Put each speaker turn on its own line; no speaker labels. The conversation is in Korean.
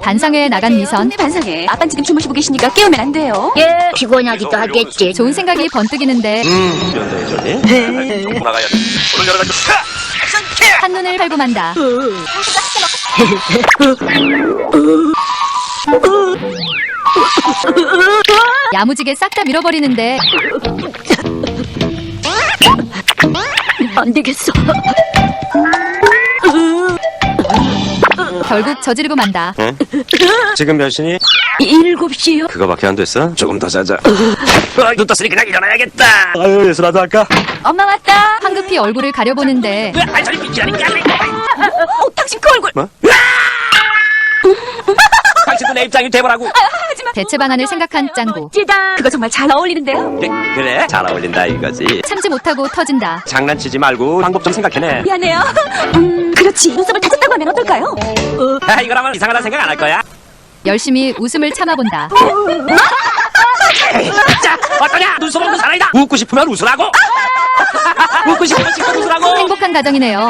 반상회에 나간 미선.
반상회. 아빠 지금 주무시고 계시니까 깨우면 안 돼요.
예, 피곤하기도 하겠지.
좋은 생각이 번뜩이는데
나가야 돼. 오늘 여러 가지
한눈을 팔고 만다. 야무지게 싹 다 밀어버리는데
안 되겠어.
결국 저지르고 만다.
응? 지금 몇 시니?
7시요?
그거밖에 안 됐어? 조금 더 자자. 눈 떴으니 그냥 일어나야겠다. 아유, 예술하도 할까?
엄마 왔다.
황급히 얼굴을 가려보는데
아이, 저리 비키라니까.
당신 그 얼굴.
뭐? 당신도 내 입장이 돼보라고.
대체 방안을 생각한 짱구.
찌다.
그거 정말 잘 어울리는데요.
그래, 잘 어울린다 이거지.
참지 못하고 터진다.
장난치지 말고 방법 좀 생각해내.
미안해요. 그렇지. 눈썹을 다쳤다고 하면 어떨까요?
아, 이거라면 이상하다 생각 안 할 거야.
열심히 웃음을 참아본다.
자, 어떠냐? 눈썹 없는 사나이다. 웃고 싶으면 웃으라고. 웃고 싶으면 웃으라고.
행복한 가정이네요.